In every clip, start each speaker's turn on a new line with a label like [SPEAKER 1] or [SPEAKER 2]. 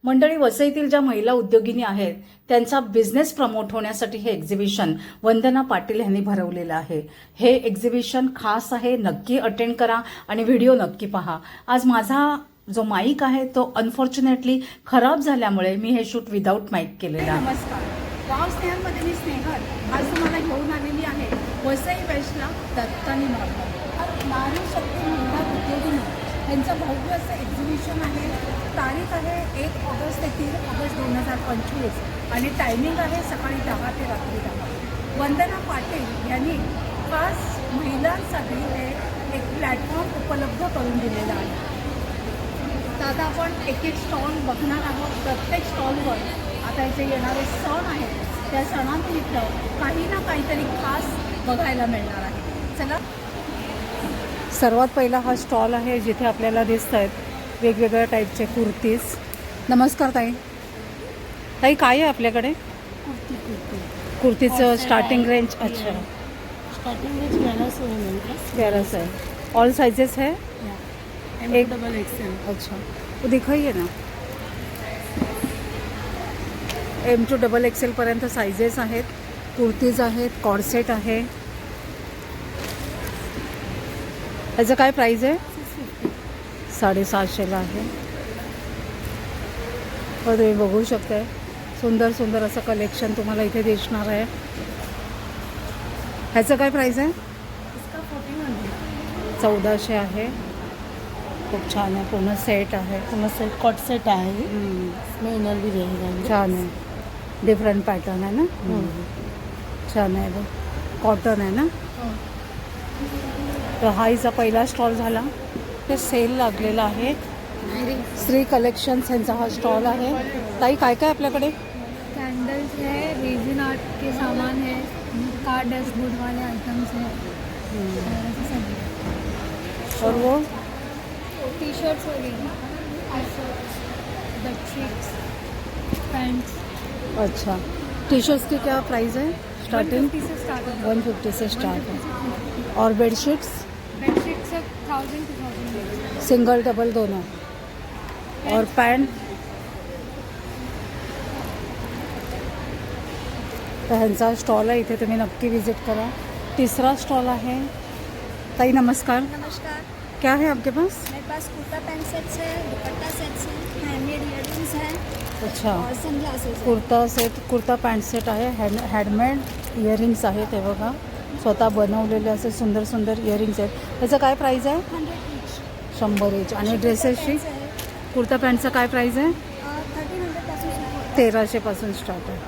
[SPEAKER 1] मंडळी, वसईतील ज्या महिला उद्योगिनी आहेत त्यांचा बिझनेस प्रमोट होण्यासाठी हे एक्झिबिशन वंदना पाटील यांनी भरवलेलं आहे. हे एक्झिबिशन खास आहे, नक्की अटेंड करा आणि व्हिडिओ नक्की पहा. आज माझा जो माईक आहे तो अनफॉर्च्युनेटली खराब झाल्यामुळे मी हे शूट विदाऊट माईक केलेलं आहे.
[SPEAKER 2] नमस्कार, गाव स्नेहलमध्ये मी स्नेहल आज तुम्हाला घेऊन आलेली आहे वसई वेस्टला दत्तानी मॉल. नारी शक्ती महिला उद्योगिनी यांचं भव्य असं एक्झिबिशन आहे. तारीख आहे 1 ऑगस्ट ते 3 ऑगस्ट 2025 आणि टायमिंग आहे सकाळी 10 ते रात्री 10. वंदना पाटील यांनी खास महिलांसाठी हे एक प्लॅटफॉर्म उपलब्ध करून दिलेला आहे. तर आता आपण एक एक स्टॉल बघणार आहोत. प्रत्येक स्टॉलवर आता इथे येणारे सण आहेत त्या सणांनिमित्त काही ना काहीतरी खास बघायला मिळणार आहे. चला,
[SPEAKER 1] सर्वात पहिला हा स्टॉल आहे जिथे आपल्याला दिसत आहेत वेगवेगळ्या टाईपचे कुर्तीज. नमस्कार ताई. ताई, काय आहे आपल्याकडे? कुर्तीचं स्टार्टिंग रेंज. अच्छा,
[SPEAKER 2] स्टार्टिंग रेंज
[SPEAKER 1] 1100 है. ऑल साइजेस है?
[SPEAKER 2] एक डबल एक्सेल.
[SPEAKER 1] अच्छा, वो दिखाइए ना. M to XXL पर्यंत साइजेस आहेत. कुर्तीज आहेत, कॉर्सेट आहे. याचं काय प्राइस आहे? 750ला आहे. तर तुम्ही बघू शकताय सुंदर सुंदर असं कलेक्शन तुम्हाला इथे दिसणार आहे. ह्याचं काय प्राइस आहे?
[SPEAKER 2] इसका 1400.
[SPEAKER 1] 1400 आहे. खूप छान आहे. पूर्ण सेट आहे.
[SPEAKER 2] पूर्ण सेट कॉट सेट आहे. इसमें इनर भी रहेगा.
[SPEAKER 1] छान आहे. डिफरंट पॅटर्न आहे ना. छान आहे. बघ, कॉटन आहे ना. तर हा हिचा पहिला स्टॉल झाला. ते सेल लागलेला आहे. श्री कलेक्शन्स यांचा हा स्टॉल आहे. ताई, काय काय आपल्याकडे?
[SPEAKER 2] कैंडल्स है, रेजिन आर्ट के सामान है, कार डैशबोर्ड वाले आइटम्स है,
[SPEAKER 1] और वो
[SPEAKER 2] टी शर्ट्स वगैरह, बेडशीट्स, पैंट्स.
[SPEAKER 1] अच्छा, टी शर्ट्स की क्या प्राइस है? स्टार्टिंग
[SPEAKER 2] 150 से स्टार्ट है.
[SPEAKER 1] 150 से स्टार्ट है. और बेडशीट्स
[SPEAKER 2] बेडशीट से 1000 to 1000.
[SPEAKER 1] सिंगल डबल दोनों. और पैंट. तर ह्यांचा स्टॉल आहे इथे, तुम्ही नक्की विजिट करा. तिसरा स्टॉल आहे. ताई, नमस्कार.
[SPEAKER 2] नमस्कार,
[SPEAKER 1] क्या है आपके पास?
[SPEAKER 2] मेरे पास कुर्ता पैंट सेट्स है, दुपट्टा सेट्स है, हैंडमेड इयररिंग्स है
[SPEAKER 1] अच्छा,
[SPEAKER 2] और सनग्लासेस है.
[SPEAKER 1] Kurta set, kurta pant set आहे. हँडमेड इयरिंग्स आहेत. हे बघा, स्वतः बनवलेले असे सुंदर सुंदर इयरिंग्स आहेत. त्याचं काय प्राईस आहे?
[SPEAKER 2] 100 each.
[SPEAKER 1] 100 एच. आणि ड्रेसेसची कुर्ता पॅन्टचं काय प्राईस आहे?
[SPEAKER 2] 1300 पासून सुरू होतं.
[SPEAKER 1] 1300 पासून स्टार्ट आहे.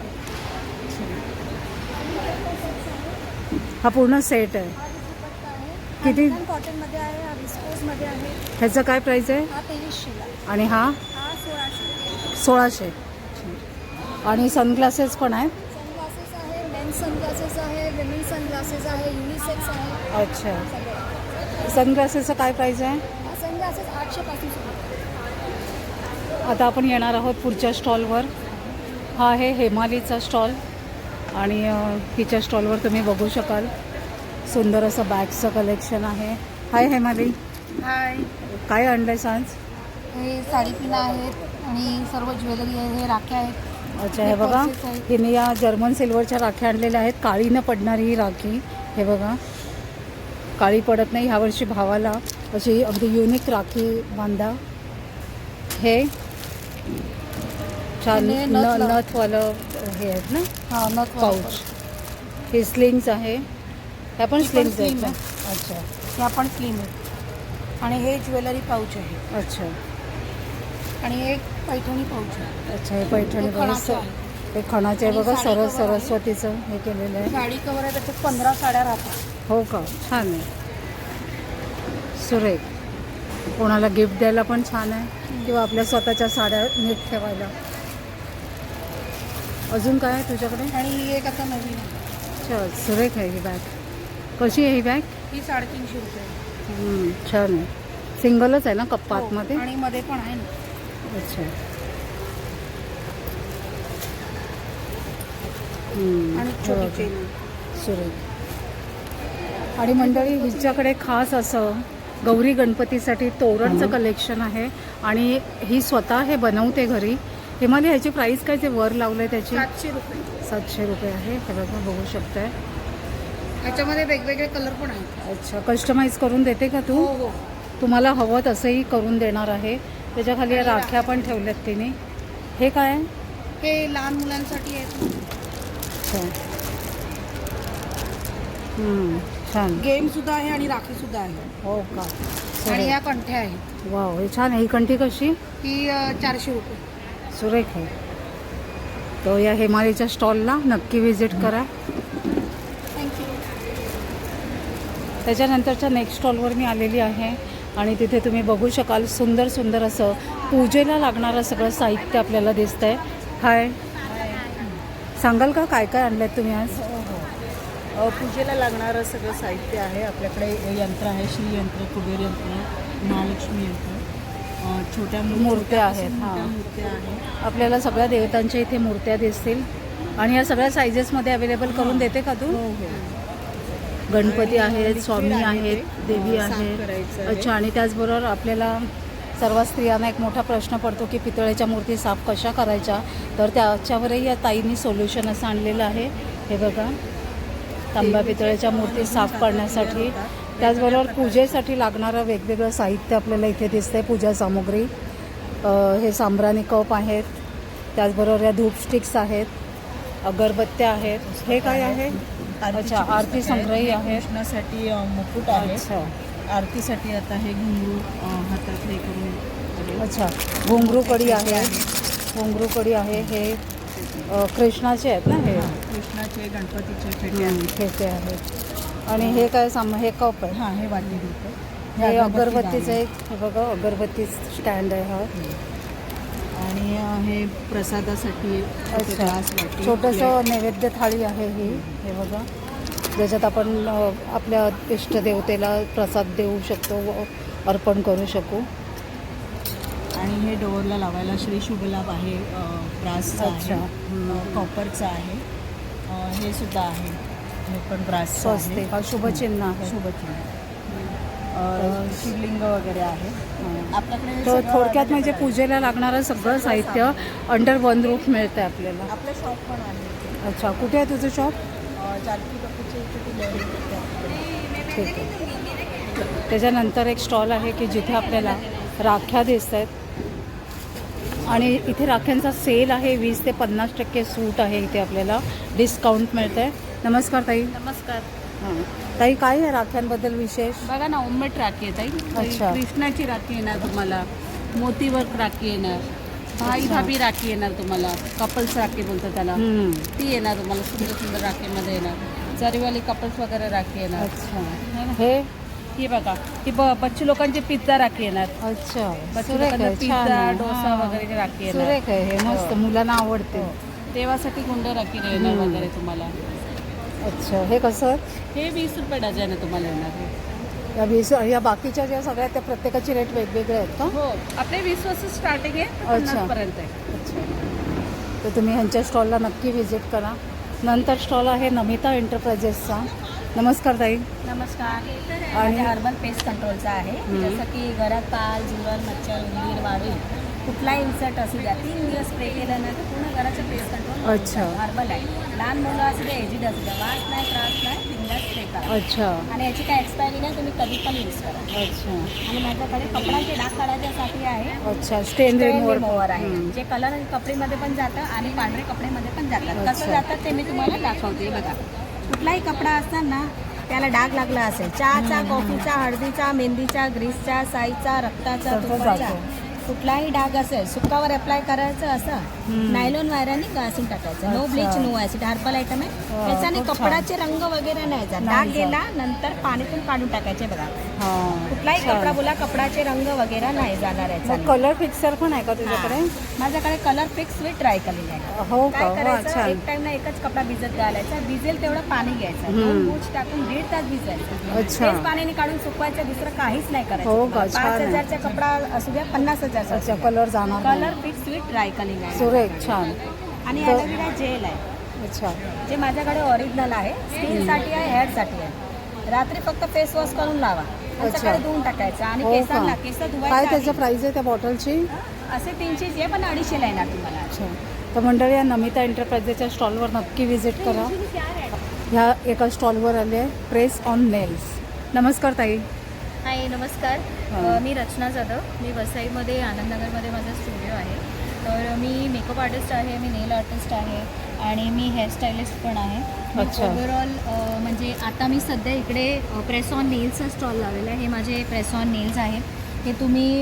[SPEAKER 1] हा पूर्ण सेट आहे. किती?
[SPEAKER 2] कॉटन मध्ये आहे, हा विस्कोस मध्ये आहे.
[SPEAKER 1] ह्याचं काय प्राईस आहे?
[SPEAKER 2] हा 2300
[SPEAKER 1] आणि हा
[SPEAKER 2] हा 1600.
[SPEAKER 1] 1600. आणि सनग्लासेस पण आहेत.
[SPEAKER 2] सनग्लासेस आहे, मेन्स सनग्लासेस आहे, विमेन सनग्लासेस आहे, युनिसेक्स आहे.
[SPEAKER 1] अच्छा, सनग्लासेसचं काय प्राईस आहे?
[SPEAKER 2] हा सनग्लासेस 800 पासून सुरू होतं.
[SPEAKER 1] आता आपण येणार आहोत पुढच्या स्टॉलवर. हा आहे हेमालीचा स्टॉल आणि हिच्या स्टॉलवर तुम्ही बघू शकाल सुंदर असं बॅगचं कलेक्शन आहे. हाय हेमाली,
[SPEAKER 2] हाय,
[SPEAKER 1] काय आणलंय आज?
[SPEAKER 2] हे साडीपिना आहेत आणि सर्व ज्वेलरी आहे, हे राख्या आहेत.
[SPEAKER 1] अच्छा, हे बघा, हिने या जर्मन सिल्वरच्या राख्या आणलेल्या आहेत. काळी न पडणारी ही राखी. हे बघा, काळी पडत नाही. ह्यावर्षी भावाला अशी अगदी युनिक राखी बांधा. हे छान नथवालं हे आहेत ना.
[SPEAKER 2] हा, नथ
[SPEAKER 1] पाऊच. हे स्लिंग्स आहे. ह्या पण स्लिंग्स आहेत ना. अच्छा,
[SPEAKER 2] या पण स्लिम आहे. आणि हे ज्वेलरी पाऊच आहे.
[SPEAKER 1] अच्छा
[SPEAKER 2] आणि एक पैठणी पाऊच आहे.
[SPEAKER 1] अच्छा, हे पैठणी बघा. हे खणाचे आहे बघा. सरस्वतीचं हे केलेलं आहे.
[SPEAKER 2] साडी कवर आहे, त्याच्यात 15 साड्या राहतात.
[SPEAKER 1] हो का? छान आहे, सुरेख. कोणाला गिफ्ट द्यायला पण छान आहे किंवा आपल्या स्वतःच्या साड्या नीट ठेवायला. अजून काय आहे तुझ्याकडे?
[SPEAKER 2] आणि ही एक आता नवीन आहे.
[SPEAKER 1] अच्छा, सुरेख आहे ही बॅग. कशी आहे ही बॅग?
[SPEAKER 2] ही 350 रुपये.
[SPEAKER 1] छान आहे. सिंगलच आहे ना कप्पा आतमध्ये?
[SPEAKER 2] आणि मध्ये पण आहे ना.
[SPEAKER 1] अच्छा.
[SPEAKER 2] आणि छोटी चेन.
[SPEAKER 1] सुरेख. आणि मंडळी, हिच्याकडे खास असं गौरी गणपतीसाठी तोरणचं कलेक्शन आहे आणि ही स्वतः हे बनवते घरी. हिमालय ह्याची प्राइस काय जे वर लावलंय त्याची
[SPEAKER 2] 700 रुपये.
[SPEAKER 1] 700 रुपये आहे. हे बघा बघू शकताय.
[SPEAKER 2] ह्याच्यामध्ये वेगवेगळे कलर पण आहेत.
[SPEAKER 1] अच्छा, कस्टमाइज करून देते का तू?
[SPEAKER 2] हो.
[SPEAKER 1] तुम्हाला हवं तसंही करून देणार आहे. त्याच्या खाली या राख्या पण ठेवल्यात तिने. हे काय आहे?
[SPEAKER 2] हे लहान मुलांसाठी आहेत.
[SPEAKER 1] अच्छा. छान.
[SPEAKER 2] गेम सुद्धा आहे आणि राखी सुद्धा आहे.
[SPEAKER 1] हो का?
[SPEAKER 2] आणि या कंठ्या आहेत.
[SPEAKER 1] वाव, हे छान आहे. ही कंठी कशी?
[SPEAKER 2] ही 400 रुपये.
[SPEAKER 1] सुरेख आहे. तो या हिमालयच्या स्टॉलला नक्की व्हिजिट करा.
[SPEAKER 2] थँक्यू.
[SPEAKER 1] त्याच्यानंतरच्या नेक्स्ट स्टॉलवर मी आलेली आहे आणि तिथे तुम्ही बघू शकाल सुंदर सुंदर असं पूजेला लागणारं सगळं साहित्य आपल्याला दिसतंय. हाय, सांगाल का काय काय आणलं तुम्ही आज?
[SPEAKER 3] पूजेला लागणारं सगळं साहित्य आहे. आपल्याकडे यंत्र आहे, श्रीयंत्र, कुबेर यंत्र, महालक्ष्मी यंत्र, छोट्या
[SPEAKER 1] मूर्त्या आहेत.
[SPEAKER 3] मोठ्या
[SPEAKER 1] हां,
[SPEAKER 3] मूर्त्या आहेत.
[SPEAKER 1] आपल्याला सगळ्या देवतांच्या इथे मूर्त्या दिसतील आणि या सगळ्या सायझेसमध्ये अवेलेबल करून देते का तू?
[SPEAKER 3] हो.
[SPEAKER 1] गणपती आहेत,
[SPEAKER 3] लिक्विड
[SPEAKER 1] स्वामी
[SPEAKER 3] आहे
[SPEAKER 1] आहेत,
[SPEAKER 3] ते,
[SPEAKER 1] देवी
[SPEAKER 3] साफ
[SPEAKER 1] आहे.
[SPEAKER 3] करायचं आहे.
[SPEAKER 1] अच्छा, आणि त्याचबरोबर आपल्याला सर्व स्त्रियांना एक मोठा प्रश्न पडतो की पितळेच्या मूर्ती साफ कशा करायच्या, तर त्याच्यावरही या ताईंनी सोल्युशन असं आणलेलं आहे. हे बघा, तांब्या पितळेच्या मूर्ती साफ करण्यासाठी. त्याचबरोबर पूजेसाठी लागणारं वेगवेगळं साहित्य आपल्याला इथे दिसतंय. पूजा सामुग्री, हे सांब्राणी कप आहेत. त्याचबरोबर या धूप स्टिक्स आहेत, अगरबत्त्या आहेत. हे काय आहे? अच्छा, आरती संग्रही आहे.
[SPEAKER 3] कृष्णासाठी मुकुट आहे.
[SPEAKER 1] अच्छा
[SPEAKER 3] आरतीसाठी आता हे घुंगरू हातात हे करून.
[SPEAKER 1] अच्छा, घुंगरू कडी आहे. घुंगरू कडी आहे. हे कृष्णाचे आहेत ना? हे
[SPEAKER 3] कृष्णाचे, गणपतीचे फेटे आहेत.
[SPEAKER 1] खेचे आहेत. आणि हे काय हे कप आहे.
[SPEAKER 3] हां, हे वाटी देतो.
[SPEAKER 1] हे अगरबत्तीचं एक, हे बघा अगरबत्ती स्टँड आहे हा.
[SPEAKER 3] आणि हे प्रसादासाठी
[SPEAKER 1] अच्छा,
[SPEAKER 3] ग्लास, वाटी,
[SPEAKER 1] छोटंसं नैवेद्य थाळी आहे ही. हे बघा, ज्याच्यात आपण आपल्या इष्टदेवतेला प्रसाद देऊ शकतो व अर्पण करू शकू.
[SPEAKER 3] आणि हे डोअरला लावायला श्री शुभलाभ आहे, ब्रासचा
[SPEAKER 1] अच्छा.
[SPEAKER 3] आहे, कॉपरचा आहे. हे सुद्धा आहे, हे पण ब्रासचं
[SPEAKER 1] स्वस्तिक
[SPEAKER 3] आहे.
[SPEAKER 1] हा शुभचिन्ह आहे.
[SPEAKER 3] शुभचिन्ह. शिवलिंग वगैरे आहे आपल्याकडे.
[SPEAKER 1] तर
[SPEAKER 3] सगळं
[SPEAKER 1] थोडक्यात म्हणजे
[SPEAKER 3] available
[SPEAKER 1] पूजेला लागणारं सगळं साहित्य अंडर वन रूफ मिळतं आपल्याला.
[SPEAKER 3] आहे. आपलं शॉप पण आहे.
[SPEAKER 1] अच्छा, कुठे आहे तुझं शॉप?
[SPEAKER 3] जानकी बापूची इथे ती लहरी.
[SPEAKER 1] ठीक आहे. त्याच्यानंतर एक स्टॉल आहे की जिथे आपल्याला राख्या दिसत आहेत आणि इथे राख्यांचा सेल आहे. 20 ते 50% सूट आहे इथे आपल्याला, डिस्काउंट मिळतं आहे. नमस्कार ताई.
[SPEAKER 2] नमस्कार.
[SPEAKER 1] हां ताई, काय आहे राख्यांबद्दल विशेष?
[SPEAKER 2] बघा ना, होममेड राखी आहे ताई.
[SPEAKER 1] अच्छा.
[SPEAKER 2] कृष्णाची राखी येणार तुम्हाला, मोतीवर्क राखी येणार, भाई भाभी राखी येणार तुम्हाला, कपल्स राखी बोलतो त्याला, ती येणार तुम्हाला. सुंदर सुंदर राखीमध्ये येणार. जरीवाली कपल्स वगैरे राखी येणार.
[SPEAKER 1] अच्छा, हे
[SPEAKER 2] ही बघा, ही बच्चू लोकांची पिझ्झा राखी येणार.
[SPEAKER 1] अच्छा,
[SPEAKER 2] बच्चू
[SPEAKER 1] सुरेख
[SPEAKER 2] लोकांना
[SPEAKER 1] आहे, छान
[SPEAKER 2] पिझ्झा,
[SPEAKER 1] आहे.
[SPEAKER 2] डोसा
[SPEAKER 1] हां.
[SPEAKER 2] वगैरे राखी येणार.
[SPEAKER 1] सुरेख आहे हे, मस्त, मुलांना आवडते.
[SPEAKER 2] देवासाठी गुंड राखी येणार वगैरे तुम्हाला.
[SPEAKER 1] अच्छा, हे कसं?
[SPEAKER 2] हे 20 रुपये डझन आहे तुम्हाला येणार.
[SPEAKER 1] या बाकीच्या ज्या सगळ्या त्या प्रत्येकाची रेट वेगवेगळे आहेत का?
[SPEAKER 2] हो, आपले 20 पासून स्टार्टिंग आहे, तर
[SPEAKER 1] अच्छा.
[SPEAKER 2] 50 पर्यंत आहे.
[SPEAKER 1] अच्छा, तर तुम्ही ह्यांच्या स्टॉलला नक्की व्हिजिट करा. नंतर स्टॉल आहे नमिता एंटरप्राइजेसचा. नमस्कार ताई.
[SPEAKER 4] नमस्कार.
[SPEAKER 1] आणि-
[SPEAKER 4] आणि हर्बल पेस्ट कंट्रोलचा आहे. जसं की घरात पाल, झुरळ, मच्छर, उंदीर, वाळू कुठलाही इन्सर्ट असू द्या, 3 दिवस स्प्रे केलं ना तर पूर्ण घराचं पेस्ट कंट्रोल.
[SPEAKER 1] अच्छा.
[SPEAKER 4] हर्बल आहे. लहान मुलं असू द्या, एजिड असू द्या, वास नाही, त्रास नाही, बिंदास स्प्रे करा.
[SPEAKER 1] अच्छा
[SPEAKER 4] आणि याची काय एक्सपायरी नाही, तुम्ही कधी पण यूज करा.
[SPEAKER 1] अच्छा
[SPEAKER 4] आणि माझ्याकडे कपड्याचे डाग काढायच्यासाठी आहे.
[SPEAKER 1] अच्छा, स्टेन रिमूव्हर.
[SPEAKER 4] रिमूव्हर आहे, जे कलर कपडेमध्ये पण जातं आणि पांढरे कपडेमध्ये पण जातात. कसं
[SPEAKER 1] अच्छा.
[SPEAKER 4] जातात ते मी तुम्हाला दाखवते. बघा, कुठलाही कपडा असताना त्याला डाग लागला असेल, चहाचा, कॉफीचा, हळदीचा, मेहंदीचा, ग्रीसचा, साईचा, रक्ताचा,
[SPEAKER 1] सगळं
[SPEAKER 4] तुपाचा,
[SPEAKER 1] जातं.
[SPEAKER 4] कुठलाही डाग असेल सुकावर अप्लाय करायचं. असं नायलॉन वायराने घासून टाकायचं. नो
[SPEAKER 1] अच्छा.
[SPEAKER 4] Bleach, no acid, herbal item आहे. त्याच्याने
[SPEAKER 1] खूप छान.
[SPEAKER 4] कपडाचे रंग वगैरे नाही जात.
[SPEAKER 1] नाही
[SPEAKER 4] डाग
[SPEAKER 1] जात.
[SPEAKER 4] गेला नंतर पाणीतून काढून टाकायचे. बघा,
[SPEAKER 1] हां,
[SPEAKER 4] कुठलाही
[SPEAKER 1] छान.
[SPEAKER 4] कपडा बोला, कपडाचे रंग वगैरे नाही जाणार
[SPEAKER 1] मग
[SPEAKER 4] याचा.
[SPEAKER 1] कलर फिक्सर पण आहे का तुझ्याकडे?
[SPEAKER 4] माझ्याकडे कलर फिक्स विथ ट्राय केलेले आहे.
[SPEAKER 1] हो का?
[SPEAKER 4] काय
[SPEAKER 1] वा,
[SPEAKER 4] करायचं,
[SPEAKER 1] छान.
[SPEAKER 4] एक टाइम ना एकच कपडा भिजत घालायचा, भिजेल तेवढं पाणी घ्यायचं, 2 बूच टाकून 1.5 तास भिजायचं.
[SPEAKER 1] अच्छा.
[SPEAKER 4] तेच पाण्याने काढून सुकवायचं, दुसरं काहीच नाही करायचं.
[SPEAKER 1] हो का?
[SPEAKER 4] 5,000 चा कपडा असू द्या, 50,000 चा.
[SPEAKER 1] अच्छा, कलर जाणार नाही.
[SPEAKER 4] Colour fix with dry cleaning आहे.
[SPEAKER 1] सुरेख, छान.
[SPEAKER 4] आणि
[SPEAKER 1] तर-
[SPEAKER 4] ॲलोवेरा जेल आहे,
[SPEAKER 1] अच्छा,
[SPEAKER 4] जे माझ्याकडे ओरिजिनल आहे. स्किनसाठी आहे, हेअरसाठी आहे. रात्री फक्त फेस वॉश करून लावा आणि
[SPEAKER 1] अच्छा.
[SPEAKER 4] सकाळी धुवून टाकायचं. आणि
[SPEAKER 1] हो
[SPEAKER 4] केसांना
[SPEAKER 1] का?
[SPEAKER 4] केस
[SPEAKER 1] काय
[SPEAKER 4] धुवायचं
[SPEAKER 1] त्याचं
[SPEAKER 4] आधी.
[SPEAKER 1] प्राइस आहे त्या बॉटलची?
[SPEAKER 4] असे 300 आहे, पण 250ला येणार तुम्हाला.
[SPEAKER 1] अच्छा, तर मंडळी या नमिता एंटरप्राइजेसच्या स्टॉलवर नक्की व्हिजिट करा. ह्या एका स्टॉलवर आले आहे प्रेस ऑन नेल्स. नमस्कार ताई.
[SPEAKER 4] हाय, नमस्कार.
[SPEAKER 1] हां.
[SPEAKER 4] मी रचना जाधव. मी वसईमध्ये आनंदनगरमध्ये माझा स्टुडिओ आहे. तर मी मेकअप आर्टिस्ट आहे, मी नेल आर्टिस्ट आहे आणि मी हेअरस्टायलिस्ट पण आहे.
[SPEAKER 1] अच्छा.
[SPEAKER 4] ओव्हरऑल म्हणजे आता मी सध्या इकडे प्रेस ऑन नेल्सचा स्टॉल लावलेला आहे. हे माझे प्रेस ऑन नेल्स आहेत. हे तुम्ही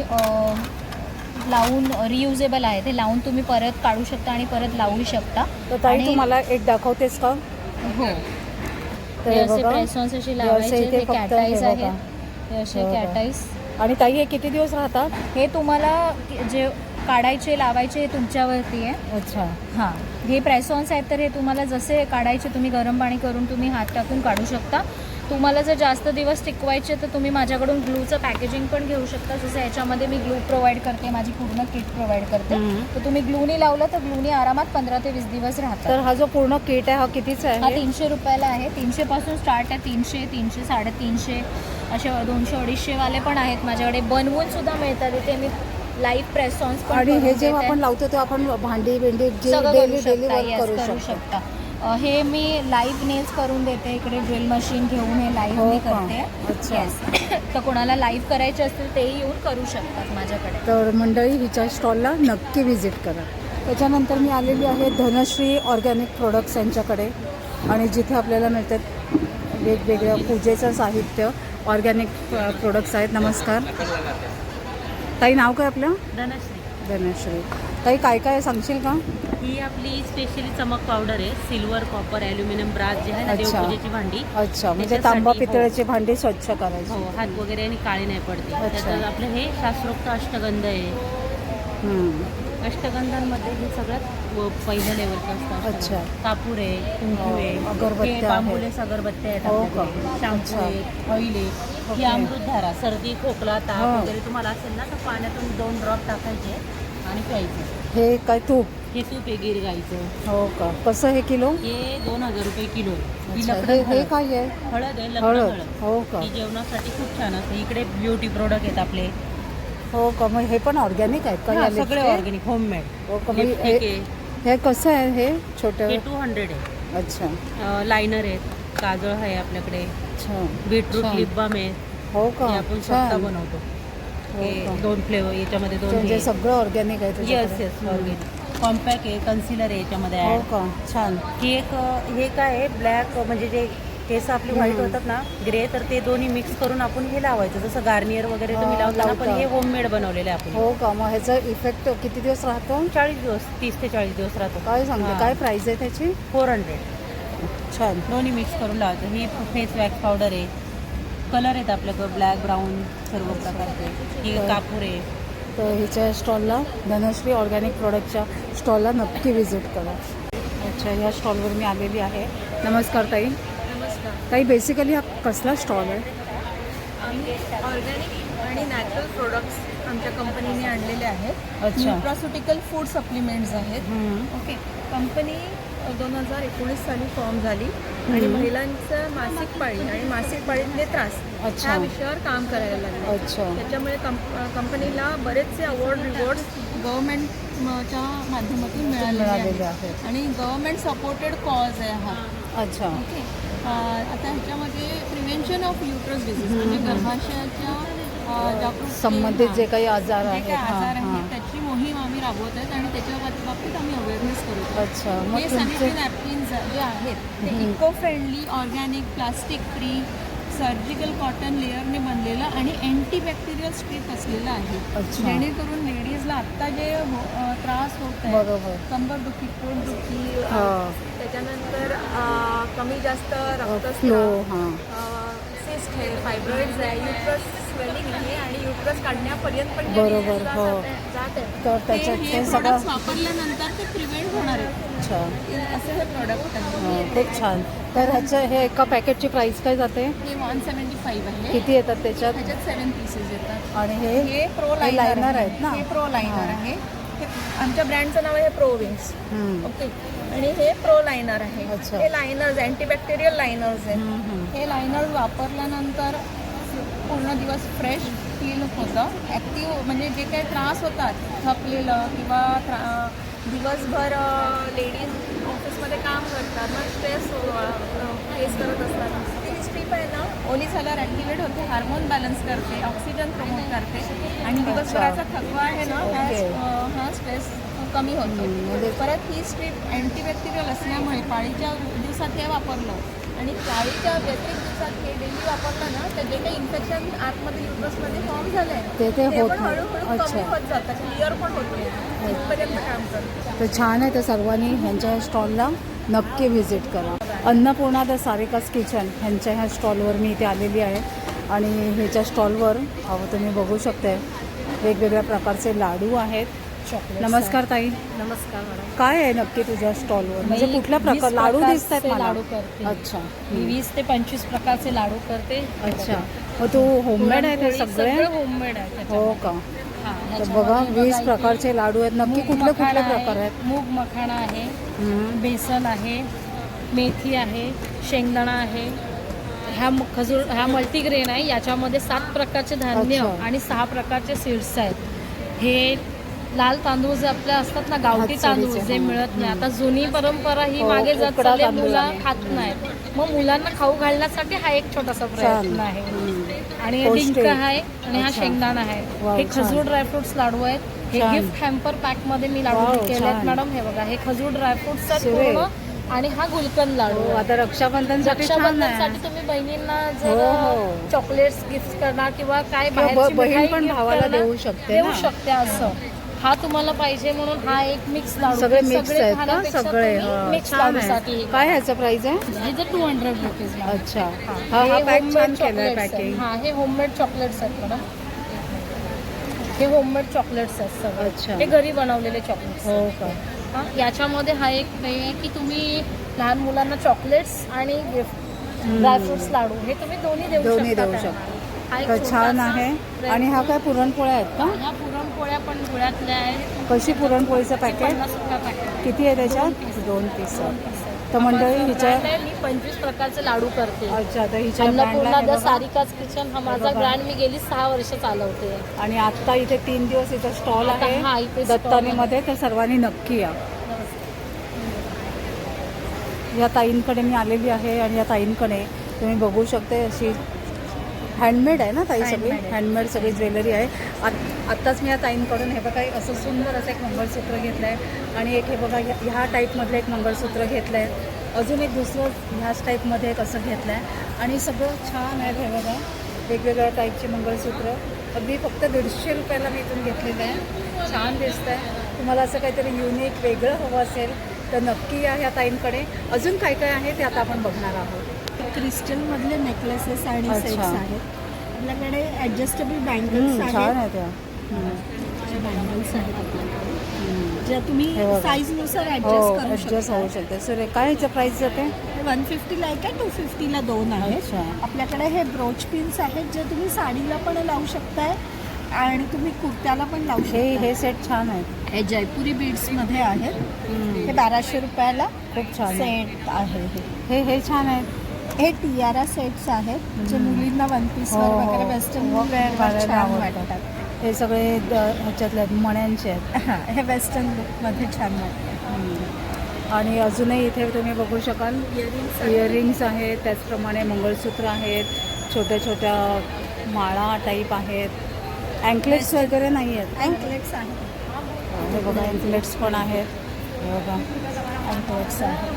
[SPEAKER 4] लावून रियुजेबल आहे, ते लावून तुम्ही परत काढू शकता आणि परत लावू शकता.
[SPEAKER 1] तर ताई
[SPEAKER 4] आणि-
[SPEAKER 1] तू मला एक दाखवतेस का?
[SPEAKER 4] हो,
[SPEAKER 1] तर
[SPEAKER 4] हे
[SPEAKER 1] हे
[SPEAKER 4] असे
[SPEAKER 1] बघा,
[SPEAKER 4] प्रेस ऑन्स असे
[SPEAKER 1] हे
[SPEAKER 4] लावायचे.
[SPEAKER 1] असे इथे
[SPEAKER 4] ते
[SPEAKER 1] फक्त हे
[SPEAKER 4] कॅटाईज
[SPEAKER 1] बघा.
[SPEAKER 4] आहेत, हे असे
[SPEAKER 1] हे बघा.
[SPEAKER 4] कॅटाईज.
[SPEAKER 1] आणि ताई हे किती दिवस राहतात?
[SPEAKER 4] हे तुम्हाला जे काढायचे लावायचे हे तुमच्यावरती आहे.
[SPEAKER 1] अच्छा.
[SPEAKER 4] हां, हे प्रेसॉन्स आहेत, तर हे तुम्हाला जसे काढायचे तुम्ही गरम पाणी करून तुम्ही हात टाकून काढू शकता. तुम्हाला जर जास्त दिवस टिकवायचे तर तुम्ही माझ्याकडून ग्लूचं पॅकेजिंग पण घेऊ शकता. जसं याच्यामध्ये मी ग्लू प्रोव्हाइड करते, माझी पूर्ण किट प्रोव्हाइड करते. तर तुम्ही ग्लूनी लावलं तर ग्लूनी आरामात 15 ते 20 दिवस राहतात.
[SPEAKER 1] तर हा जो पूर्ण किट आहे हा कितीचा
[SPEAKER 4] हा
[SPEAKER 1] आहे?
[SPEAKER 4] 300 रुपयाला आहे. 300 पासून स्टार्ट आहे. 300, 300, 350 असे 200, 250 वाले पण आहेत माझ्याकडे. बनवून सुद्धा मिळतात इथे. मी लाईव्ह प्रेसॉन्स पण
[SPEAKER 1] आणि
[SPEAKER 4] करून
[SPEAKER 1] हे जेव्हा
[SPEAKER 4] देते.
[SPEAKER 1] आपण लावतो तेव्हा आपण भांडी भेंडी जे
[SPEAKER 4] सगळं
[SPEAKER 1] डेली
[SPEAKER 4] करू
[SPEAKER 1] डेली
[SPEAKER 4] शकता.
[SPEAKER 1] वर्क
[SPEAKER 4] येस,
[SPEAKER 1] करू
[SPEAKER 4] करू
[SPEAKER 1] शकतो.
[SPEAKER 4] शकता. हे मी लाईव्ह नेल्स करून देते. इकडे ड्रिल मशीन घेऊन हे लाईव्ह
[SPEAKER 1] हो
[SPEAKER 4] मी
[SPEAKER 1] का?
[SPEAKER 4] करते.
[SPEAKER 1] अच्छा.
[SPEAKER 4] येस. तर कोणाला लाईव्ह करायचे असतील तेही येऊन करू शकतात माझ्याकडे.
[SPEAKER 1] तर मंडळी हिच्या स्टॉलला नक्की व्हिजिट करा. त्याच्यानंतर मी आलेली आहे धनश्री ऑर्गॅनिक प्रोडक्ट्स यांच्याकडे, आणि जिथे आपल्याला मिळतात वेगवेगळ्या पूजेचं साहित्य. ऑर्गॅनिक प्रोडक्ट्स आहेत. नमस्कार ताई, नाव काय आपलं?
[SPEAKER 5] धनश्री.
[SPEAKER 1] धनश्री. ताई काय काय सांगशील का?
[SPEAKER 5] ही आपली स्पेशली चमक पावडर आहे. सिल्वर, कॉपर, ॲल्युमिनियम, ब्रास जे आहे ना,
[SPEAKER 1] अच्छा.
[SPEAKER 5] देवपूजेची भांडी.
[SPEAKER 1] अच्छा, म्हणजे
[SPEAKER 5] त्याच्यासाठी
[SPEAKER 1] तांबा
[SPEAKER 5] हो.
[SPEAKER 1] पितळेची भांडी स्वच्छ करायची.
[SPEAKER 5] हो, हात वगैरे आणि काळे नाही पडते.
[SPEAKER 1] अच्छा.
[SPEAKER 5] त्याच्यात आपलं हे शास्त्रोक्त अष्टगंध आहे. अष्टगंधांमध्ये हे सगळ्यात पहिल्या लेवलचं असतं.
[SPEAKER 1] अच्छा.
[SPEAKER 5] कापूर आहे, कुंकू आहे,
[SPEAKER 1] अगरबत्त्या
[SPEAKER 5] हे बांबुलेस अगरबत्त्या आहेत
[SPEAKER 1] हो का?
[SPEAKER 5] आपल्याकडे. शॅम्पू
[SPEAKER 1] अच्छा.
[SPEAKER 5] आहे, ऑइल आहे. ही
[SPEAKER 1] ओके.
[SPEAKER 5] अमृतधारा, सर्दी, खोकला, ताप
[SPEAKER 1] हा.
[SPEAKER 5] वगैरे तुम्हाला असेल ना, तर पाण्यातून 2 ड्रॉप टाकायचे आणि प्यायचे.
[SPEAKER 1] हे काय तूप?
[SPEAKER 5] हे तूप आहे गिर गाईचं.
[SPEAKER 1] हो का? कसं हे किलो?
[SPEAKER 5] हे 2000 रुपये किलो आहे. ही
[SPEAKER 1] अच्छा,
[SPEAKER 5] लकडं
[SPEAKER 1] हे
[SPEAKER 5] हळद.
[SPEAKER 1] काय आहे?
[SPEAKER 5] हळद आहे, लकडं
[SPEAKER 1] हळद.
[SPEAKER 5] हळद.
[SPEAKER 1] हो का?
[SPEAKER 5] ही जेवणासाठी खूप छान असते. इकडे ब्युटी प्रोडक्ट आहेत आपले.
[SPEAKER 1] हो का? मग हे पण ऑर्गॅनिक आहेत का?
[SPEAKER 5] हा,
[SPEAKER 1] या
[SPEAKER 5] सगळे
[SPEAKER 1] लिपस्टिक?
[SPEAKER 5] Organic, homemade.
[SPEAKER 1] हो का? मग
[SPEAKER 5] लिपस्टिक
[SPEAKER 1] हे
[SPEAKER 5] आहे.
[SPEAKER 1] हे कसं आहे हे छोटं?
[SPEAKER 5] हे 200 आहे.
[SPEAKER 1] अच्छा.
[SPEAKER 5] लायनर आहेत, काजळ आहे आपल्याकडे,
[SPEAKER 1] अच्छा.
[SPEAKER 5] बीटरूट
[SPEAKER 1] छान.
[SPEAKER 5] लिप बाम आहे.
[SPEAKER 1] हो का?
[SPEAKER 5] हे आपण स्वतः
[SPEAKER 1] छान.
[SPEAKER 5] बनवतो.
[SPEAKER 1] हो
[SPEAKER 5] हे
[SPEAKER 1] का?
[SPEAKER 5] 2 फ्लेवर याच्यामध्ये 2
[SPEAKER 1] म्हणजे सगळं ऑर्गॅनिक आहे
[SPEAKER 5] येस
[SPEAKER 1] तुझ्याकडे?
[SPEAKER 5] Yes organic. कॉम्पॅक्ट आहे, कन्सिलर आहे याच्यामध्ये
[SPEAKER 1] हो
[SPEAKER 5] ॲड.
[SPEAKER 1] का? छान.
[SPEAKER 5] ही एक हे काय आहे, ब्लॅक म्हणजे जे केस आपले व्हाईट होतात ना, ग्रे, तर ते दोन्ही मिक्स करून आपण हे लावायचं. जसं गार्नियर वगैरे तुम्ही
[SPEAKER 1] हा,
[SPEAKER 5] लावता ना, पण
[SPEAKER 1] लावता.
[SPEAKER 5] हे होममेड बनवलेलं आहे आपण.
[SPEAKER 1] हो का? मग ह्याचा इफेक्ट किती दिवस राहतो?
[SPEAKER 5] 40 दिवस, 30 ते 40 दिवस राहतो.
[SPEAKER 1] काय सांगते?
[SPEAKER 5] हा.
[SPEAKER 1] काय प्राइस आहे त्याची?
[SPEAKER 5] 400.
[SPEAKER 1] छान.
[SPEAKER 5] दोन्ही मिक्स करून लावायचं. ही फेस वॅक्स पावडर आहे. कलर आहेत आपल्याकडं ब्लॅक, ब्राऊन, सर्व प्रकारचे. ही कापूर आहे.
[SPEAKER 1] तर हिच्या स्टॉलला, धनश्री ऑर्गॅनिक प्रोडक्टच्या स्टॉलला नक्की व्हिजिट करा. अच्छा, ह्या स्टॉलवर मी आलेली आहे. नमस्कार ताई.
[SPEAKER 6] नमस्कार.
[SPEAKER 1] ताई, बेसिकली हा कसला स्टॉल आहे?
[SPEAKER 6] आम्ही ऑर्गॅनिक आणि नॅचरल प्रोडक्ट्स आमच्या कंपनीने आणलेले आहेत.
[SPEAKER 1] अच्छा.
[SPEAKER 6] न्यूट्रास्युटिकल फूड सप्लिमेंट्स आहेत. ओके. कंपनी 2019 साली फॉर्म झाली आणि महिलांचं मासिक पाळी आणि मासिक पाळीतले त्रास
[SPEAKER 1] अच्छा.
[SPEAKER 6] ह्या विषयावर काम करायला लागले.
[SPEAKER 1] अच्छा.
[SPEAKER 6] त्याच्यामुळे कंपनीला बरेचसे अवॉर्ड रिवॉर्ड्स गव्हर्नमेंटच्या माध्यमातून मिळालेले
[SPEAKER 1] मिळालेले
[SPEAKER 6] आहेत
[SPEAKER 1] आहेत.
[SPEAKER 6] आणि गव्हर्नमेंट सपोर्टेड कॉज आहे हा.
[SPEAKER 1] अच्छा.
[SPEAKER 6] ओके. आता ह्याच्यामध्ये प्रिव्हेन्शन ऑफ युट्रस डिसीज म्हणजे गर्भाशयाच्या जागरूकते,
[SPEAKER 1] संबंधित जे काही आजार
[SPEAKER 6] जे
[SPEAKER 1] आहेत.
[SPEAKER 6] काही आजार
[SPEAKER 1] हां,
[SPEAKER 6] आहेत
[SPEAKER 1] हां.
[SPEAKER 6] त्याची मोहीम आम्ही राबवत आहेत आणि त्याच्या बाबतीत आम्ही अवेअरनेस करतो.
[SPEAKER 1] अच्छा. मग
[SPEAKER 6] हे
[SPEAKER 1] तुमचे
[SPEAKER 6] सॅनिटरी नॅपकिन्स जे आहेत ते eco friendly, organic, plastic free, surgical cotton लेअरने बनलेलं आणि अँटीबॅक्टेरियल स्ट्रीप असलेलं आहे.
[SPEAKER 1] अच्छा.
[SPEAKER 6] जेणेकरून लेडीजला आत्ता जे त्रास होत आहे,
[SPEAKER 1] बरोबर.
[SPEAKER 6] कंबरदुखी, पोटदुखी,
[SPEAKER 1] हां.
[SPEAKER 6] त्याच्यानंतर कमी जास्त
[SPEAKER 1] फ्लो.
[SPEAKER 6] रक्तस्राव,
[SPEAKER 1] हां.
[SPEAKER 6] सिस्ट आहे, फायब्रॉइड्स आहे, युट्रस स्वेलिंग आहे आणि युट्रस काढण्यापर्यंत पण जे
[SPEAKER 1] बरोबर,
[SPEAKER 6] disease
[SPEAKER 1] हो.
[SPEAKER 6] जात आहे,
[SPEAKER 1] तर
[SPEAKER 6] ते
[SPEAKER 1] त्याच्यात
[SPEAKER 6] हे
[SPEAKER 1] ते सगळं.
[SPEAKER 6] products वापरल्यानंतर ते प्रिव्हेंट होणार आहे.
[SPEAKER 1] अच्छा.
[SPEAKER 6] असे हे प्रोडक्ट आहे.
[SPEAKER 1] हां, खूप छान. तर ह्याचं हे एका पॅकेटची प्राइस काय जाते?
[SPEAKER 6] हे 175 आहे.
[SPEAKER 1] किती येतात त्याच्यात?
[SPEAKER 6] ह्याच्यात 7 पीसेस येतात.
[SPEAKER 1] आणि
[SPEAKER 6] हे प्रो
[SPEAKER 1] हे
[SPEAKER 6] लायनर
[SPEAKER 1] लायनर आहेत ना?
[SPEAKER 6] हे प्रो लायनर
[SPEAKER 1] हां.
[SPEAKER 6] आहे. हे आमच्या ब्रँडचं नाव आहे प्रो विंग्स.
[SPEAKER 1] हम्म.
[SPEAKER 6] ओके. आणि हे प्रो लायनर आहे.
[SPEAKER 1] अच्छा.
[SPEAKER 6] हे लायनर्स अँटीबॅक्टेरियल लायनर्स आहेत. हे लायनर्स वापरल्यानंतर पूर्ण दिवस फ्रेश फील होतं. ॲक्टिव्ह म्हणजे जे काही त्रास होतात थकलेलं किंवा दिवसभर लेडीज ऑफिसमध्ये काम करतात मग स्ट्रेस फेस करत असतात. ती स्ट्रीप आहे ना ओली झाल्यावर ॲक्टिवेट होते, हार्मोन बॅलन्स करते, ऑक्सिजन प्रमोट करते आणि दिवसभराचा थकवा आहे ना हा स्ट्रेस कमी होतो. परत ही स्ट्रीप अँटीबॅक्टेरियल असल्यामुळे पाळीच्या दिवसात हे वापरलं आणि पाळीच्या व्यतिरिक्त दिवसात हे डेली वापरलं ना तर जे काही इन्फेक्शन आतमध्ये युट्रसमध्ये फॉर्म झालं आहे
[SPEAKER 1] ते होत
[SPEAKER 6] पण
[SPEAKER 1] नाही.
[SPEAKER 6] हळूहळू कमी होत जातं, क्लिअर पण होते तिथपर्यंत काम करतं.
[SPEAKER 1] तर छान आहे. तर सर्वांनी ह्यांच्या स्टॉलला नक्की व्हिजिट करा. अन्नपूर्णा द सारिकास किचन ह्यांच्या ह्या स्टॉलवर मी इथे आलेली आहे आणि ह्याच्या स्टॉलवर तुम्ही बघू शकता वेगवेगळ्या प्रकारचे लाडू आहेत. नमस्कार ताई.
[SPEAKER 4] नमस्कार मॅडम.
[SPEAKER 1] काय आहे नक्की तुझ्या स्टॉलवर, म्हणजे कुठल्या प्रकार लाडू दिसत आहेत मला?
[SPEAKER 4] लाडू करते.
[SPEAKER 1] अच्छा.
[SPEAKER 4] मी 20 ते 25 प्रकारचे लाडू करते.
[SPEAKER 1] अच्छा. मग तू होममेड आहे ते सगळे?
[SPEAKER 4] होममेड आहे.
[SPEAKER 1] हो का?
[SPEAKER 4] हां,
[SPEAKER 1] तर
[SPEAKER 4] ह्याच्यामध्ये
[SPEAKER 1] बघा 20
[SPEAKER 4] इथे
[SPEAKER 1] प्रकारचे लाडू आहेत. नक्की
[SPEAKER 4] मूग
[SPEAKER 1] कुठले
[SPEAKER 4] मखाणा
[SPEAKER 1] कुठले
[SPEAKER 4] आहे,
[SPEAKER 1] प्रकार आहेत?
[SPEAKER 4] मूग मखाणा आहे,
[SPEAKER 1] हम्म.
[SPEAKER 4] बेसन आहे, मेथी आहे, शेंगदाणा आहे. ह्या मल्टीग्रेन आहे. याच्यामध्ये 7 प्रकारचे धान्य
[SPEAKER 1] अच्छा.
[SPEAKER 4] आणि 6 प्रकारचे सीड्स आहेत. हे लाल तांदूळ जे आपल्या असतात ना, गावठी
[SPEAKER 1] हातसडीचे,
[SPEAKER 4] तांदूळ जे
[SPEAKER 1] हां.
[SPEAKER 4] मिळत नाही. आता जुनी परंपरा ही
[SPEAKER 1] हो,
[SPEAKER 4] मागे जात
[SPEAKER 1] उकडा
[SPEAKER 4] चालली,
[SPEAKER 1] तांदूळ
[SPEAKER 4] मुलं
[SPEAKER 1] आहे.
[SPEAKER 4] खात नाहीत. मग मुलांना खाऊ घालण्यासाठी हा एक छोटासा प्रयत्न आहे. आणि हे
[SPEAKER 1] पौष्टिक.
[SPEAKER 4] डिंक आहे आणि हा
[SPEAKER 1] अच्छा.
[SPEAKER 4] शेंगदाणा आहे.
[SPEAKER 1] वाव,
[SPEAKER 4] हे
[SPEAKER 1] छान.
[SPEAKER 4] खजूर ड्रायफ्रुट्स लाडू आहेत. हे
[SPEAKER 1] छान.
[SPEAKER 4] गिफ्ट हॅम्पर पॅक मध्ये मी लाडू
[SPEAKER 1] वाव,
[SPEAKER 4] केले
[SPEAKER 1] छान.
[SPEAKER 4] आहेत मॅडम. हे बघा, हे खजूर ड्रायफ्रुट्स आहेत
[SPEAKER 1] सुरेख.
[SPEAKER 4] पूर्ण आणि हा गुलकंद लाडू
[SPEAKER 1] हो,
[SPEAKER 4] आहे.
[SPEAKER 1] आता रक्षाबंधनसाठी छान आहे.
[SPEAKER 4] रक्षाबंधनसाठी तुम्ही बहिणींना
[SPEAKER 1] हो,
[SPEAKER 4] जर
[SPEAKER 1] हो.
[SPEAKER 4] चॉकलेट्स गिफ्ट करणार किंवा काय
[SPEAKER 1] किंवा
[SPEAKER 4] बाहेरची
[SPEAKER 1] बहीण
[SPEAKER 4] मिठाई
[SPEAKER 1] पण
[SPEAKER 4] gift
[SPEAKER 1] भावाला
[SPEAKER 4] करणार,
[SPEAKER 1] देऊ शकते
[SPEAKER 4] देऊ
[SPEAKER 1] ना.
[SPEAKER 4] शकते असं. हा तुम्हाला पाहिजे म्हणून हा एक मिक्स लाडू.
[SPEAKER 1] सगळे मिक्स आहेत का?
[SPEAKER 4] खाण्यापेक्षा
[SPEAKER 1] सगळे
[SPEAKER 4] तुम्ही मिक्स
[SPEAKER 1] छान
[SPEAKER 4] लाडूसाठी
[SPEAKER 1] आहे. काय ह्याचं प्राइस आहे?
[SPEAKER 4] हे जे 200 रुपीज.
[SPEAKER 1] अच्छा. हा पॅक छान केलाय पॅकिंग.
[SPEAKER 4] हा, हे होममेड चॉकलेट्स आहेत मॅडम. हे होममेड चॉकलेट्स आहेत सगळे.
[SPEAKER 1] अच्छा.
[SPEAKER 4] हे घरी बनवलेले चॉकलेट्स.
[SPEAKER 1] हो का?
[SPEAKER 4] हा, याच्यामध्ये हा एक हे आहे की तुम्ही लहान मुलांना चॉकलेट्स आणि गिफ्ट ड्रायफ्रुट्स लाडू हे तुम्ही दोन्ही देऊ
[SPEAKER 1] दोन्ही
[SPEAKER 4] शकता
[SPEAKER 1] देऊ
[SPEAKER 4] त्यांना.
[SPEAKER 1] शकता.
[SPEAKER 4] हा एक
[SPEAKER 1] तर छान
[SPEAKER 4] छोटासा
[SPEAKER 1] आहे.
[SPEAKER 4] प्रयत्न.
[SPEAKER 1] आणि हा काय पुरणपोळ्या आहेत का?
[SPEAKER 4] ह्या पुरणपोळ्या पण गुळातल्या आहेत.
[SPEAKER 1] कशी पुरणपोळीचं पॅकेट?
[SPEAKER 4] 50 रुपया पॅकेट.
[SPEAKER 1] किती आहे त्याच्यात? 2 पीस. तर मंडळी हिच्या
[SPEAKER 4] मी 25 प्रकारचे लाडू करते.
[SPEAKER 1] अच्छा. तर हिच्या
[SPEAKER 4] अन्नपूर्णा
[SPEAKER 1] ब्रँडला
[SPEAKER 4] द
[SPEAKER 1] हे बघा.
[SPEAKER 4] सारिकाज किचन हा माझा
[SPEAKER 1] बघा.
[SPEAKER 4] ब्रँड मी गेली 6 वर्ष चालवते.
[SPEAKER 1] आणि आता इथे 3 दिवस इथं स्टॉल
[SPEAKER 4] आता हा
[SPEAKER 1] आहे
[SPEAKER 4] इथे stall
[SPEAKER 1] दत्तानीमध्ये. तर सर्वांनी नक्की या. या ताईंकडे मी आलेली आहे आणि या ताईंकडे तुम्ही बघू शकते अशी हँडमेड आहे ना ताई, सगळी हँडमेड सगळी ज्वेलरी आहे. आत्ताच मी या ताईंकडून हे बघा असं सुंदर असं एक मंगळसूत्र घेतलं आहे आणि एक हे बघा ह्या टाईपमधलं एक मंगळसूत्र घेतलं आहे. अजून एक दुसरं ह्याच टाईपमध्ये एक असं घेतलं आहे आणि सगळं छान आहे. हे बघा वेगवेगळ्या टाईपचे मंगळसूत्र अगदी फक्त 150 रुपयाला मी इथून घेतलेलं आहे. छान दिसतं आहे. तुम्हाला असं काहीतरी युनिक वेगळं हवं असेल तर नक्की या ह्या ताईंकडे. अजून काय काय आहे ते आता आपण बघणार आहोत.
[SPEAKER 2] क्रिस्टलमधले नेकलेसेस आणि
[SPEAKER 1] अच्छा.
[SPEAKER 2] सेट्स आहेत. आपल्याकडे ॲडजस्टेबल बँगल्स
[SPEAKER 1] छान
[SPEAKER 2] आहेत.
[SPEAKER 1] आहे त्या.
[SPEAKER 2] बँगल्स आहेत आपल्याकडे ज्या तुम्ही
[SPEAKER 1] हे बघा.
[SPEAKER 2] साईजनुसार
[SPEAKER 1] हो,
[SPEAKER 2] ॲडजस्ट करू
[SPEAKER 1] ॲडजस्ट
[SPEAKER 2] शकता.
[SPEAKER 1] होऊ शकते. सर काय ह्याचं प्राईस जाते?
[SPEAKER 2] 150ला एक आहे, 250ला 2 आहेत.
[SPEAKER 1] अच्छा.
[SPEAKER 2] आपल्याकडे हे ब्रोच पिन्स आहेत जे तुम्ही साडीला पण लावू शकताय आणि तुम्ही कुर्त्याला पण लावू शकता.
[SPEAKER 1] हे सेट छान आहेत.
[SPEAKER 2] हे जयपुरी बीड्समध्ये आहेत. हे 1200 रुपयाला
[SPEAKER 1] खूप छान आहे.
[SPEAKER 2] सेट आहे.
[SPEAKER 1] हे छान आहेत.
[SPEAKER 2] हे टियारा सेट्स आहेत जे मुलींना वन पीसवर
[SPEAKER 1] हो, हो.
[SPEAKER 2] वगैरे वेस्टर्न
[SPEAKER 1] हो,
[SPEAKER 2] वेअरवर
[SPEAKER 1] घालायला
[SPEAKER 2] छान
[SPEAKER 1] आवडतात.
[SPEAKER 2] वाटतात.
[SPEAKER 1] हे सगळे ह्याच्यातले आहेत, मण्यांचे आहेत.
[SPEAKER 2] हां, हे वेस्टर्न लुकमध्ये छान वाटतात.
[SPEAKER 1] आणि अजूनही इथे तुम्ही बघू शकाल इयरिंग्स आहेत, त्याचप्रमाणे मंगळसूत्र आहेत, छोट्या छोट्या माळा टाईप आहेत. अँकलेट्स वगैरे नाही आहेत.
[SPEAKER 2] अँकलेट्स आहेत.
[SPEAKER 1] हे बघा अँकलेट्स पण आहेत. हे बघा
[SPEAKER 2] अँकलेट्स आहेत.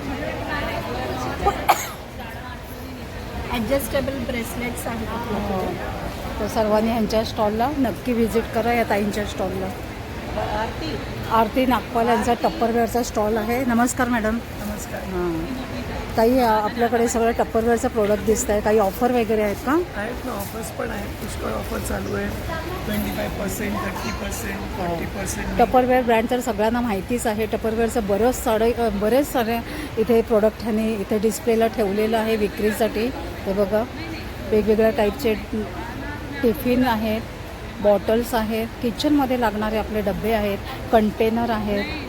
[SPEAKER 2] ॲडजस्टेबल ब्रेसलेट्स आहेत आपल्याकडे.
[SPEAKER 1] तर सर्वांनी ह्यांच्या स्टॉलला नक्की व्हिजिट करा, या ताईंच्या स्टॉलला. आरती नागपाल यांचा टप्परवेअरचा स्टॉल आहे. नमस्कार मॅडम.
[SPEAKER 7] नमस्कार.
[SPEAKER 1] हां ताई, आपल्याकडे सगळं टप्परवेअरचं प्रोडक्ट दिसत आहे. काही ऑफर वगैरे आहेत का?
[SPEAKER 7] आहेत ना, ऑफर्स पण आहेत. पुष्कळ ऑफर चालू आहे. 25%, 30%, 40%.
[SPEAKER 1] टप्परवेअर ब्रँड तर सगळ्यांना माहितीच आहे. टप्परवेअरचं बरेच सारे इथे प्रोडक्ट ह्यांनी इथे डिस्प्लेला ठेवलेलं आहे विक्रीसाठी. हे बघा वेगवेगळ्या टाईपचे टिफिन आहेत, बॉटल्स आहेत, किचनमध्ये लागणारे आपले डबे आहेत, कंटेनर आहेत,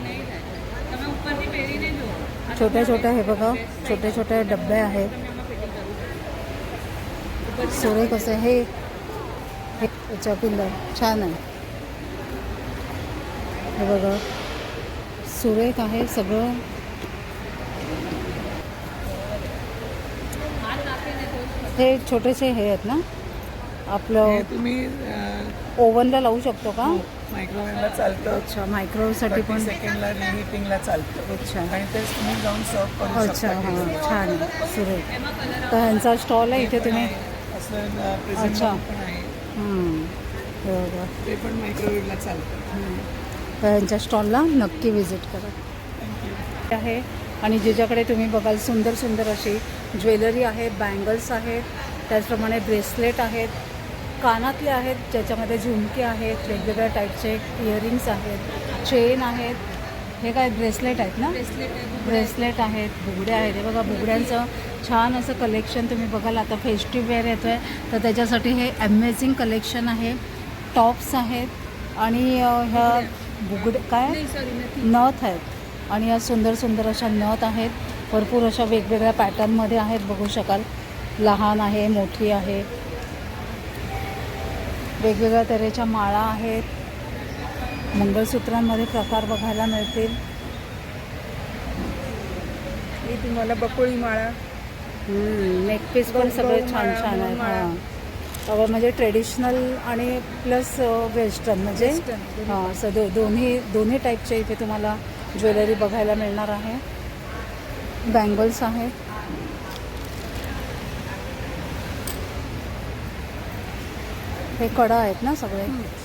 [SPEAKER 1] छोट्या छोट्या हे बघा छोटे छोटे डबे आहेत. सुरेख असं याचा पिल्लर छान आहे. हे बघा सुरेख आहे सगळं. हे छोटेसे हे आहेत ना
[SPEAKER 7] हे
[SPEAKER 1] आपलं
[SPEAKER 7] तुम्ही
[SPEAKER 1] ओव्हनला लावू शकतो का?
[SPEAKER 7] मायक्रोवेव्हला चालतं,
[SPEAKER 1] अच्छा मायक्रोवेव्हसाठी
[SPEAKER 7] 30
[SPEAKER 1] पण.
[SPEAKER 7] सेकंडला रिहीटिंगला चालतं.
[SPEAKER 1] अच्छा
[SPEAKER 7] आणि तेच तुम्ही जाऊन सर्व करू
[SPEAKER 1] अच्छा
[SPEAKER 7] शकता.
[SPEAKER 1] हां छान आहे सुरेख. तर ह्यांचा स्टॉल आहे इथे तुम्ही.
[SPEAKER 7] असं
[SPEAKER 1] अच्छा.
[SPEAKER 7] प्रेझेंट पण आहे,
[SPEAKER 1] हे बघा.
[SPEAKER 7] ते पण मायक्रोवेव्हला चालतं.
[SPEAKER 1] तर ह्यांच्या स्टॉलला नक्की व्हिजिट करा. आहे आणि ज्याच्याकडे तुम्ही बघाल सुंदर सुंदर अशी ज्वेलरी आहे, बँगल्स आहेत, त्याचप्रमाणे ब्रेसलेट आहेत, कानातले आहेत ज्याच्यामध्ये झुमके आहेत, वेगवेगळ्या टाईपचे इयरिंग्स आहेत, चेन आहेत. हे काय ब्रेसलेट आहेत ना? ब्रेसलेट आहेत, बुगड्या आहेत. हे बघा बुगड्यांचं छान असं कलेक्शन तुम्ही बघाल. आता फेस्टिव्ह वेअर येतो आहे तर त्याच्यासाठी हे अमेझिंग कलेक्शन आहे. टॉप्स आहेत आणि ह्या बुगड काय नथ आहेत आणि या सुंदर सुंदर अशा नथ आहेत. भरपूर अशा वेगवेगळ्या पॅटर्नमध्ये आहेत, बघू शकाल. लहान आहे, मोठी आहे, वेगवेगळ्या तऱ्हेच्या माळा आहेत. मंगळसूत्रांमध्ये प्रकार बघायला मिळतील.
[SPEAKER 6] ही तुम्हाला बकुळी माळा,
[SPEAKER 1] नेकपीस पण सगळे छान छान आहेत. हां सगळं म्हणजे ट्रेडिशनल आणि प्लस वेस्टर्न म्हणजे हां दोन्ही टाईपचे इथे तुम्हाला ज्वेलरी बघायला मिळणार आहे. बँगल्स आहेत. हे कडा आहेत ना सगळे.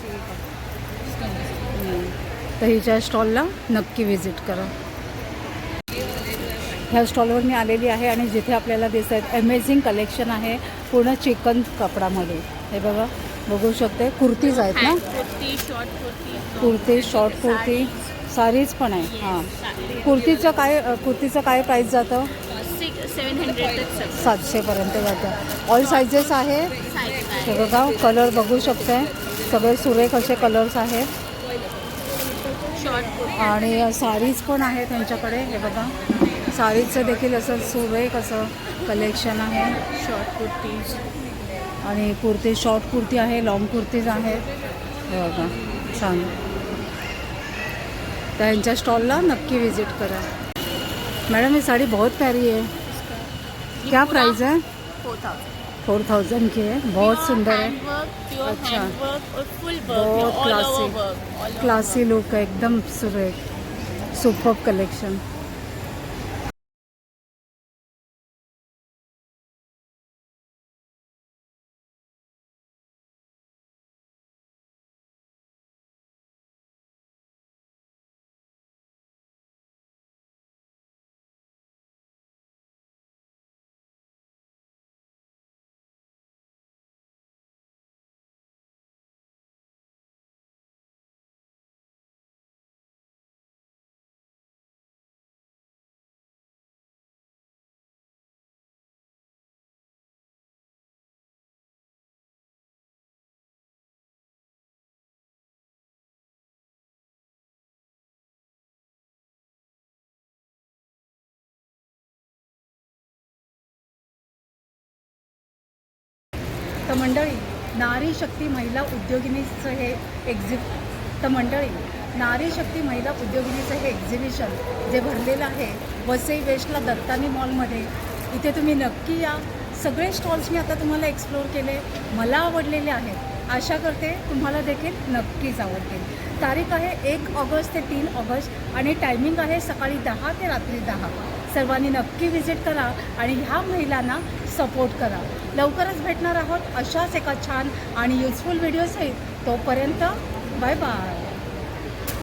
[SPEAKER 1] तर हिच्या स्टॉलला नक्की व्हिजिट करा. ह्या स्टॉलवर मी आलेली आहे आणि जिथे आपल्याला दिसत आहेत अमेझिंग कलेक्शन आहे पूर्ण चिकन कपडामध्ये. हे बघा बघू शकते. कुर्तीज आहेत ना, कुर्ती, शॉर्ट कुर्ती, साडीज पण आहे. हां कुर्तीचं काय प्राईस जातं? 700पर्यंत जातं. ऑल सायझेस आहे. हे बघा कलर बघू शकते, सगळे सुरेख असे कलर्स आहेत आणि साडीज पण आहे त्यांच्याकडे. हे बघा साडीचं देखील असं सुरेख असं कलेक्शन आहे. शॉर्ट कुर्तीज आणि कुर्ती, शॉर्ट कुर्ती आहे, लॉंग कुर्तीज आहेत. हे बघा छान. त्यांच्या स्टॉलला नक्की विजिट करा. मैडम ये साड़ी बहुत प्यारी है, क्या प्राइस है? 4000 की है, बहुत सुंदर है. अच्छा बहुत क्लासी लुक है, एकदम सुपर्ब कलेक्शन. तर मंडळी नारी शक्ती महिला उद्योगिनीचं हे नारी शक्ती महिला उद्योगिनीचं हे एक्झिबिशन जे भरलेलं आहे वसई वेस्टला दत्तानी मॉलमध्ये. इथे तुम्ही नक्की या. सगळे स्टॉल्स मी आता तुम्हाला एक्सप्लोअर केले, मला आवडलेले आहेत. आशा करते तुम्हाला देखील नक्कीच आवडतील. तारीख आहे 1 ऑगस्ट ते 3 ऑगस्ट आणि टायमिंग आहे सकाळी 10 ते रात्री 10. सर्वांनी नक्की व्हिजिट करा आणि ह्या महिलांना सपोर्ट करा. लवकरच भेटणार आहोत अशाच एका छान आणि युजफुल व्हिडिओ सहित. तोपर्यंत बाय बाय.